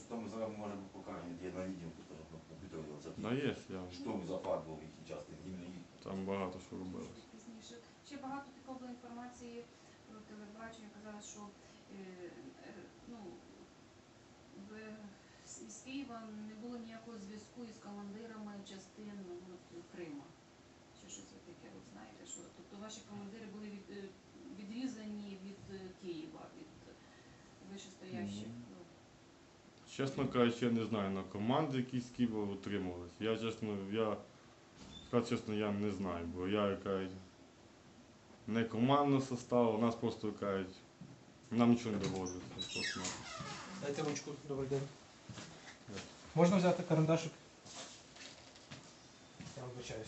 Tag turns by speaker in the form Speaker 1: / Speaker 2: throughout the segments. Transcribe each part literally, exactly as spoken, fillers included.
Speaker 1: что мы сразу можем покажем, где на видео, потому что компьютер записывает.
Speaker 2: Да, є, я.
Speaker 1: Что за факт був їхній часто, іменно їх.
Speaker 2: Там багато що робилось.
Speaker 3: Пізніше. Ще багато такої було інформації про телебачення. Казали, що е, е, ну, в, з Києва не було ніякого зв'язку із командирами частин ну, от, Крима. Чи щось ви таке, от знаєте, що тобто ваші командири були від, е, відрізані від е, Києва, від вищестоящих.
Speaker 2: Мгм. Чесно кажучи, я не знаю, на команди якісь з Києва утримувалися. Я чесно, я, сказати чесно, я не знаю, бо я кажуть, не командного составу, у нас просто кажуть, нам нічого не доводиться. Просто.
Speaker 4: Дайте ручку, добрий день.
Speaker 2: Так.
Speaker 4: Можна взяти карандашик? Я вибачаюсь.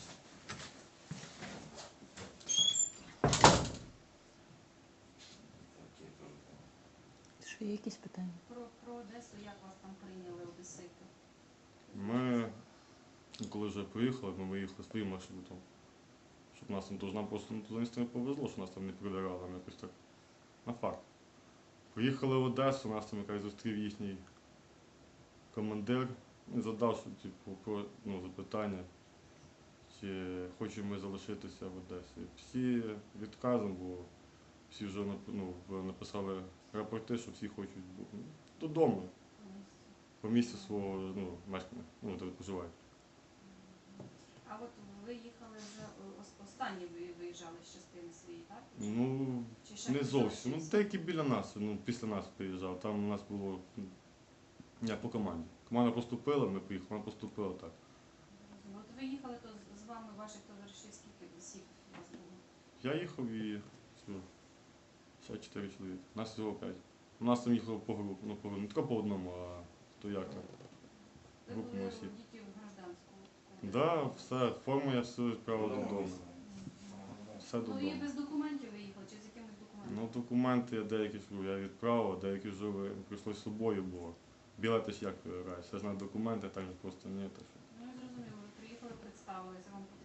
Speaker 5: Що є якісь питання?
Speaker 3: Про, про Одесу, як вас там прийняли одесити?
Speaker 2: Ми, коли вже поїхали, ми виїхали своїм маршрутом. Щоб нас там тож нам просто ну, туди не повезло, що нас там не прибирали, нам якось так на факт. Приїхали в Одесу, нас там якраз зустрів їхній командир і задав що, типу, про, ну, запитання, чи хочемо ми залишитися в Одесі. Всі відказом, бо всі вже ну, написали рапорти, що всі хочуть додому, по місцю свого ну, мешкання, ну, де проживають.
Speaker 3: А от ви їхали вже ос- останні ви виїжджали з частини своєї, так?
Speaker 2: Ну,
Speaker 3: Чи ще
Speaker 2: не
Speaker 3: хтось
Speaker 2: зовсім. Ну,
Speaker 3: залишився?
Speaker 2: деякі біля нас, ну, після нас приїжджав. Там у нас було ну, як по команді. Команда поступила, ми поїхали, вона поступила так.
Speaker 3: Зрозуміло. От ви їхали, то з- з вами ваших товаришів скільки осіб у вас було?
Speaker 2: Я їхав і все, ще чотири чоловіки. Нас всього п'ять. У нас там їхало по групу, ну по не тільки по одному, а то як там.
Speaker 3: Ви
Speaker 2: Групу
Speaker 3: були
Speaker 2: осіб.
Speaker 3: діти в гражданському.
Speaker 2: Так, да, все, форму я все відправив додому. Все
Speaker 3: Ну і
Speaker 2: додому.
Speaker 3: без документів виїхали, чи з якимись документами?
Speaker 2: Ну, документи я деякі ж я відправив, а деякі вже ви- прийшлось з собою, бо білети ж як вибираєш. Все ж на документи, так же просто ні. Так що.
Speaker 3: Ну, зрозуміло, ви приїхали, представилися, вам